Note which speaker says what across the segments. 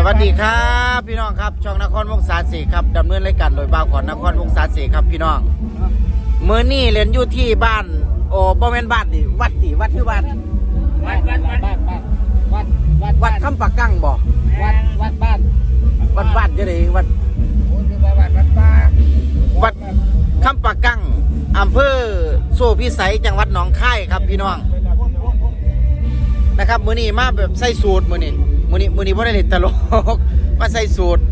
Speaker 1: วัสดีครับพี่น้องครับช่องนครวงศาสีครับดำเนินรายการโดยบ่าวขอนนครวงศาสีครับพี่น้องมื้อนี้เล่นอยู่ที่บ้านโอ้บ่แม่นบ้านดิวัดที่บ้านวัดคำปากกั้งบ่วัดบ้านจะได้วัดคำปากกั้งอำเภอโซ่พิสัยจังหวัดหนองคายครับพี่น้องนะครับมื้อนี้มาแบบใส่สูตรมื้อนี้บ่ได้เล่นตลกมาใส่สูตร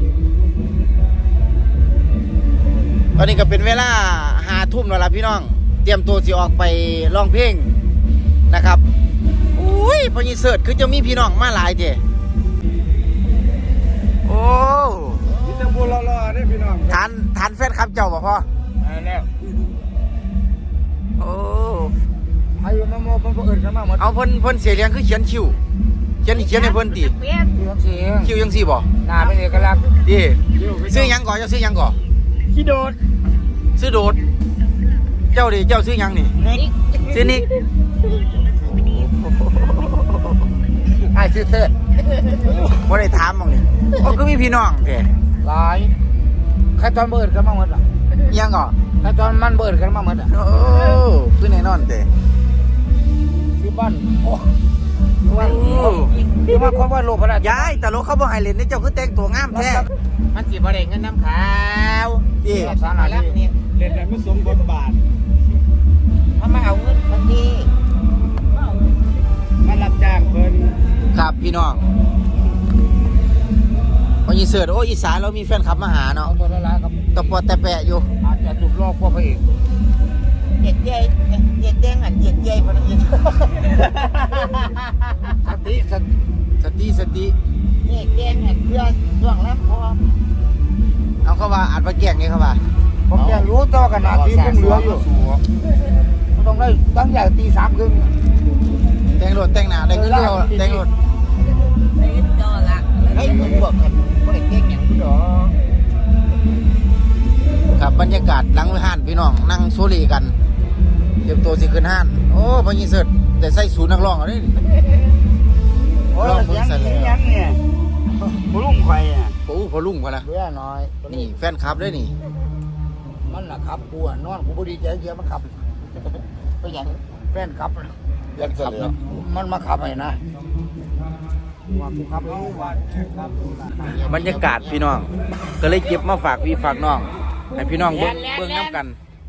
Speaker 1: ตอนนี้ก็เป็นเวลา5 ทุ่มแล้วล่ะพี่น้องเตรียมตัวสิออกไปร้องเพลงนะครับอุ้ยพอยีเสิร์ชคือจะมีพี่น้องมาหลายเด้โอ้
Speaker 2: นี่จะพูดรอๆได้พี่น้อง
Speaker 1: ทานแฟนครับเจ้าบ่พ่อ
Speaker 2: แล้ว
Speaker 1: โอ้
Speaker 2: อายุมาโมเพิ่นบ่เอิ้นกันมาหมด
Speaker 1: เอาเพิ่นเสียเลี้ยงคือเขียนคิวเขียนให้เพิ่นติคิวจังซี่บ่
Speaker 2: หน้าเป็นเอกลักษณ์
Speaker 1: ดิซื้อหยังก่อนเจ้าซื้อหยังก่อน
Speaker 2: ขี้โดด
Speaker 1: ซื้อโดดเจ้าดิเจ้าซื้อหยังนี่ซื้อนิก
Speaker 2: ไอ้ซื้อเถิด
Speaker 1: บ่ได้ถามมั่งนี่โอ้คือมีพี่น้องแท้
Speaker 2: หลายใครตอนเบิดกันมาหมดล่ะ
Speaker 1: ยังก่อ
Speaker 2: ใครตอนมันเบิดกันมาหมดอ่ะ
Speaker 1: โอ้คือแน่นอนแท้
Speaker 2: คือบ้านโอ้คือว่าคนว่าโลภะ
Speaker 1: ยายตลกเขาบ่ให้เล่นนี่เจ้าคือแต่งตัวงามแท้
Speaker 2: มันสิบ่ได้เงินน้ำขาว
Speaker 1: ดิ
Speaker 2: สารพัดนี่เล่นได้ไม่สมบทบาทถ้ามาเอาเงินคนนี้มารับจ้างเพิ่น
Speaker 1: ครับพี่น้องพอยีเสิร์ชโอ้อีสานเรามีแฟนคลับมาหาเนาะ
Speaker 2: ตัวละล้านครับ
Speaker 1: ตะปอแต่แปะอยู่
Speaker 2: อาจจะถูกลอกพวกพระเอกเหยียดเย้เหยียดแดงเหยียดเย้พนักงาน
Speaker 1: สติ
Speaker 2: เหยียดแดงเพื่อช่วงแล้วพอ
Speaker 1: เอาเข้าว่าอัดมาแกล้งนี่เข้าว่า
Speaker 2: ผมอยากรู้ตัวขนาดที่ผมเหลืออยู่ต้องได้ตั้งใหญ่ตี3 ครึ่ง
Speaker 1: แต่งรถแต่งหน้าได้ขึ้นเดียวแต่งรถ
Speaker 2: ให้ผมบอกกันว่าได้เก่งอย่างนี้หรอ
Speaker 1: ครับบรรยากาศหลังห้านพี่น้องนั่งโซลีกันเตรียมตัวสิขึ้นห้านโอ้พอยีเสิร์ชแต่ใส่สูทนักร้องเอาดิ
Speaker 2: ร้องเพิ่งใส่เลยยังเนี่ยพลุ่งไฟอ่ะ
Speaker 1: พอลุ่งกันละ
Speaker 2: เพื่อน้อย
Speaker 1: นี่แฟนคลับด้วยนี่
Speaker 2: มันน่ะครับกูนอนกูพอดีใจเยอะมันขับไปอย่างแฟนขับ
Speaker 1: ยังขับเนาะ
Speaker 2: มันมาขับให้นะ
Speaker 1: บรรยากาศพี่น้องก็เลยเก็บมาฝากพี่ฝากน้องให้พี่น้องเบิ่งน้ำกัน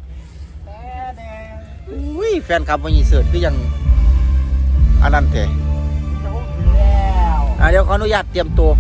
Speaker 1: อุ้ยแฟนคลับวันนี้เสิร์ชคือยังอันนั้นเถอะเดี๋ยวขออนุญาตเตรียมตัว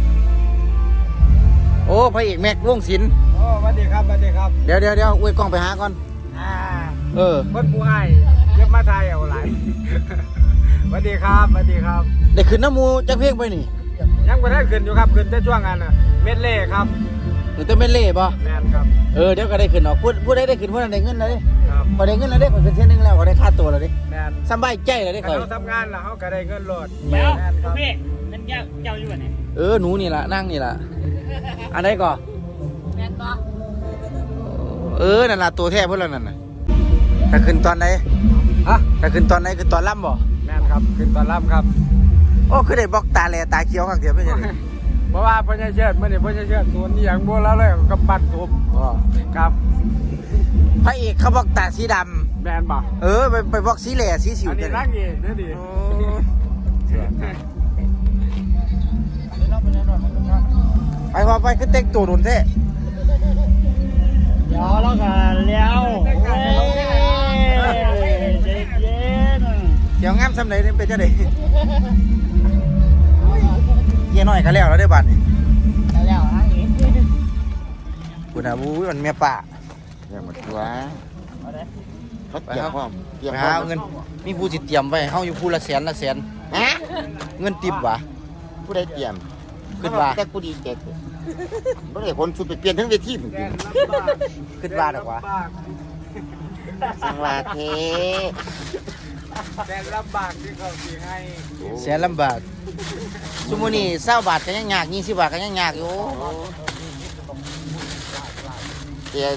Speaker 1: โอ้พระเอกแม็กวงศิลป์
Speaker 2: โอ้สวัสดีครับ
Speaker 1: เดี๋ยวอวยกล้องไปหาก่อน
Speaker 2: เพิ่นผู้ให้เย็บมาไทยเอาหลายสวัสดีครับ
Speaker 1: ได้ขึ้นน้ำมูจักเพลงไปนี่
Speaker 2: ยังไม่ได้ขึ้นอยู่ครับขึ้นแต่ช่วงงานน่ะเม็ดเล่ครับ
Speaker 1: หรือแต่เม็ดเล่ป่ะ
Speaker 2: แม่นครับ
Speaker 1: เดี๋ยวก็ได้ขึ้นออกพูดได้ขึ้นพูดได้เงินเลยครับพอได้เงินแล้วได้ผลเป็นเส้นนึงแล้วก็ได้ค่าตัวแล้วดิ
Speaker 2: แม่น
Speaker 1: สบายใจแล้วได้
Speaker 2: เคยเขาทำงานแล้วเขาก็ได้เงินโหลด
Speaker 3: แม่นครับพี่นั่นเจ้าอยู่ไหน
Speaker 1: หนูนี่ล่ะนั่งนี่ล่ะอันไหนก่อน
Speaker 3: แม่นป่ะ
Speaker 1: นั่นล่ะตัวแท้เพื่อนเรานั่นน่ะถ้าขึ้นตอนไหนถ้าขึ้นตอนไหนคือตอนล่ำบ่
Speaker 2: แม่นครับขึ้นตอนล่ำครับ
Speaker 1: โอ้คือได้บล็อกตาแลตาเขียวข้างเดียวไม่ใช่
Speaker 2: เพราะว่าพญาเชิดมื่อนี้พญาเชิดตัวนี้อย่างโบราณเลยกับปั่นทุบครับ
Speaker 1: พระเอกเขาบล็อกตาสีด
Speaker 2: ำแบนบ่
Speaker 1: ไปบล็อกสีแหล่สีสิว
Speaker 2: อันนี้รักเองนี่ดิ
Speaker 1: ไปพอไปคือเต็กตัวโดนเท่
Speaker 3: เดี๋ยวแล้วกันแล้วเด็กเย็น
Speaker 1: เดี๋ยวงามสำเร็จเป็นจะได้เยี่ยน้อยก็แล้วได้บัตรนี่
Speaker 3: แล้วฮะอีก
Speaker 1: คุณอาบูมันเมียป่า
Speaker 2: อย่างหมดตัวเขาเตรียมพร้อม
Speaker 1: เงินมีผู้สิเตรียมไว้เฮาอยู่ผู้ละแสนเงินติบวะ
Speaker 2: ผู้ใดเตรียม
Speaker 1: ขึ้นว่า
Speaker 2: แต่กูดีเจ็ดไม่ได้คนสุดไปเปลี่ยนทั้งเวทีเหมือนกัน
Speaker 1: ขึ้นว่าหรอวะ
Speaker 2: สังวาเทแสนลำบากที่เขาสีให้
Speaker 1: แสนลำบากสมมุติ20 บาทก็ยังยาก20 บาทก็ยังยากอยู่
Speaker 2: เตียน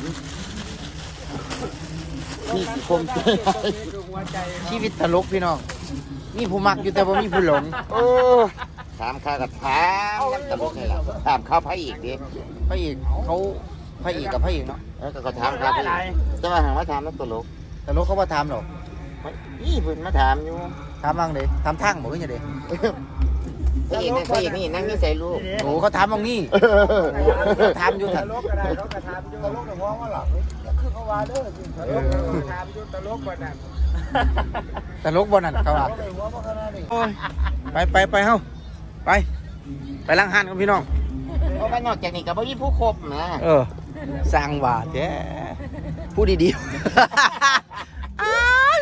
Speaker 2: มีสิคม
Speaker 1: ชีวิตตลกพี่น้องมีผู้มักอยู่แต่ว่ามีผู้หลง
Speaker 2: ถามข้ากับถามน้ำตลกนี่แหละถามข้าวพระอีกดิ
Speaker 1: พระเอกเขาพระเอกกับพระเอกเนาะ
Speaker 2: แล้วก็ถามข้าวพระอีกจะมาหาว่าถามน้ำตลก
Speaker 1: แต่รถเขาว่าถามหรอก
Speaker 2: นี่เพิ่นมาถามอยู่
Speaker 1: ถามบ้างเด้ถามทางบอกว่าไงเด้
Speaker 2: พระเอกนี่นั่งนี่ใส่ลูก
Speaker 1: โอ้เขาถามบ้างนี่ถามอยู่
Speaker 3: ต
Speaker 1: ถัด
Speaker 3: ลกก็ได้เขาก็ถามอยู่ตลกแต่ว่าว่าหลับคือเขาว่าเด้อตลกถามอยู่ตลกกว่านั้น
Speaker 1: แต่ลกบนนั่นเขาว่า
Speaker 3: เขาไปหัวบ่ขนาดนี้
Speaker 1: โอ้ยไปเฮ้าไปล้างหันกับพี่น้อง
Speaker 2: เพราะว่านอกจากนี้ก็บ่มีผู้คบนะ
Speaker 1: สร้างบาทแท้พูดดีๆอ้าย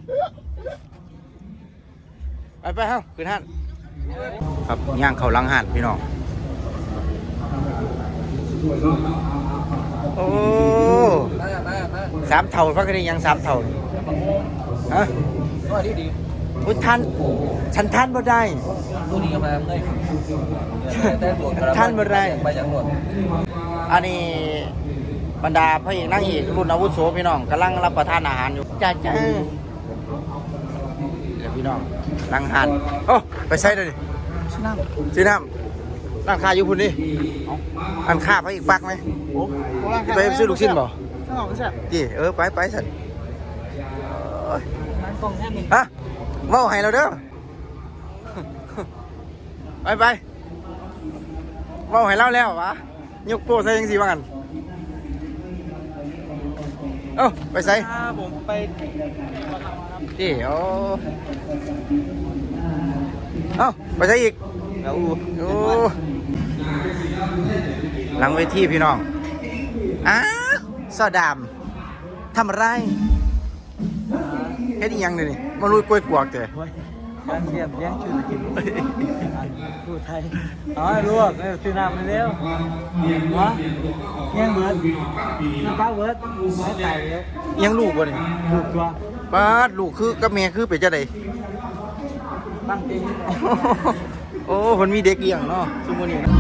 Speaker 1: ไปเฮ้าขึ้นหันครับย่างเขาล้างหันพี่น้องโอ้สามเท่าพักกันยังสามเท่าฮะ
Speaker 3: ว่าดี
Speaker 1: พุทท่านฉันท่านบ่ได้
Speaker 3: ตัวนี้ก็มาเลยแต่ตัว
Speaker 1: ท่านบ่ได้
Speaker 3: ไปอย่างหมด
Speaker 1: อันนี้บรรดาพระเอกนางเอกรุ่นอาวุโสพี่น้องกำลังรับประทานอาหารอยู่จ้าเดี๋ยวพี่น้องนั่งหันโอ้ไปใส่เลยดิซื้อน้ำร้านค้าอยู่พุ่นดิร้านค้าพระเอกปักไหมไปซื้อลูกชิ้นบ่
Speaker 3: สมองแซ่บ
Speaker 1: จีไปสัน
Speaker 3: มันกองแค่นี้
Speaker 1: ฮะเว้าให้เราเด้อไปเว้าให้เราแล้ววะยกโป้ใส่ยังสิว่ากันไปใส่
Speaker 3: ผมไป
Speaker 1: จีไปใส่อีกโอ้หลังเวทีพี่น้องซอดามทำอะไรเฮ็ดอีหยังนี่มาลุยกล้วยกวกเตะ
Speaker 3: การเทียบเลี้ยงชื่อกินพูดไทยอ๋อลวกซื้อน้ำมาเร็ววะเลี้ยงเบิร์ดน้ำปลาเบิร์ดไม่ไก่เร็ว
Speaker 1: ยังลูกบ่นี่
Speaker 3: ถูกตัว
Speaker 1: ป้าดลูกคือกับแม่คือเป็นจังได๋
Speaker 3: ตั้งจริง
Speaker 1: โอ้เพิ่นมีเด็กเลี้ยงเนาะซุมื้อนี้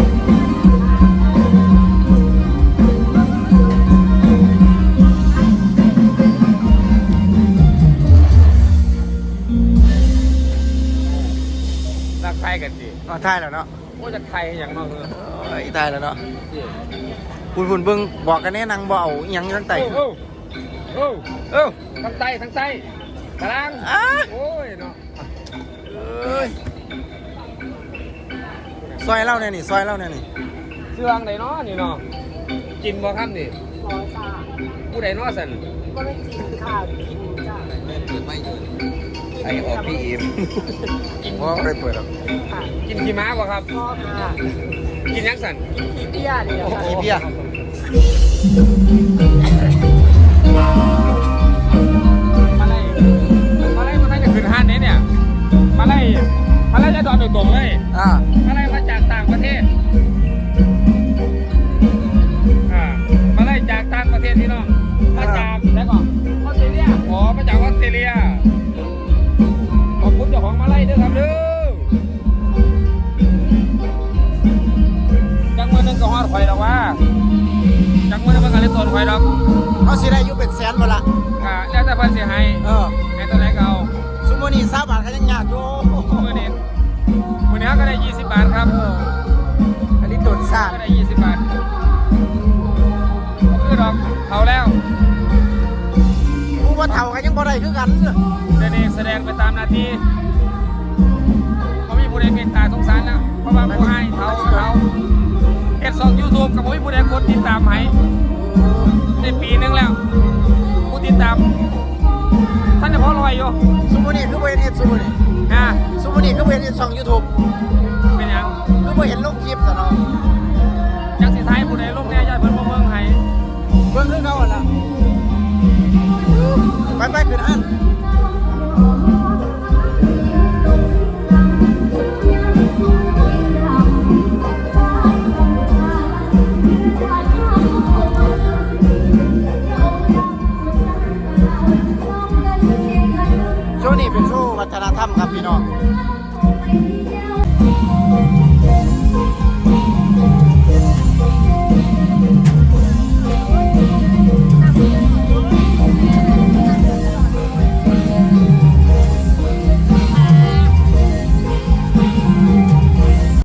Speaker 3: รักไทยกันดิ
Speaker 1: ทายแล้วเนาะ
Speaker 3: โอ้จะไทยอย่างมากเลย
Speaker 1: ตายแล้วเนาะคุณเบิ่งบอกกันแน่นางบ่เอาอีหยังทั้งไต
Speaker 3: ทั้งไตทั้งไตกลางโอ้ยเนาะ
Speaker 1: ซอยเล่าเนี่ยนี่ซอยเล่าเนี่ยนี่
Speaker 3: เสื่องไหนเนาะนี่เนาะกินบ่ครับนี่ผู้ใดเนาะสันก็ไม่กินค่ะกินจ้า
Speaker 1: ไอออกพี่อิมเพราะไม่ได้เปิดหรอก
Speaker 3: กินขี้ม้าบ่ครับกินยังสันกินเบี้ยนี่
Speaker 1: อีเพีย
Speaker 3: มาไล่จะขึ้นห้านนี้เนี่ยมาไล่จะดอนโดยตรงเลยมาไล่มาจากต่างประเทศมาไล่จากต่างประเทศพี่น้องมาจากแล้วก็ออสเตรเลียอ๋อมาจากออสเตรเลียขอบคุณเจ้าของมาไล่ด้วยครับเด้อจังมือนึงก็ฮอดข่อยดอกว่าจังมือนึงมันก็เลยตนข่อยดอก
Speaker 1: เขาสิได้อยู่เป็นแสนบ่ละ
Speaker 3: แล้วแต่เพิ่นสิให้ให้ตัวไหนก็เอา
Speaker 1: ซุมื้อนี้20 บาทก็ยังยากอยู่
Speaker 3: มื้อนี้ก็ได้20 บาทครับ
Speaker 1: อันนี้โดนซ่า
Speaker 3: ก็ได้20 บาทคือดอกเขาแล้ว
Speaker 1: ผู้ว่าเฒ่าก็ยังบ่ได้คือกัน
Speaker 3: แสดงไปตามหน้าที่เขามีผู้ใดเมตตาสงสารแล้วเพราะว่าผู้ให้เขาเฮ็ดช่อง YouTube กับผู้ใดกดติดตามให้ได้ปีนึงแล้วผู้ติดตามท่านจะพอรวยอยู่
Speaker 1: ซุมื้อนี้คือบ่เห็นเฮ็ดซุมื้อนี้ ซุมื้อนี้คือบ่เห็นเฮ็ดช่อง YouTube
Speaker 3: เป็นหยัง
Speaker 1: คือบ่เห็นลงคลิปซะเนาะ
Speaker 3: จังสิไทยผู้ใดลงแน่ญาติเพิ่นบ่เบิ่งให้
Speaker 1: เบิ่งคือเขาหั่นล่ะไปขึ้นอัน โชว์นี้เป็นโชว์วัฒนธรรมครับพี่น้อง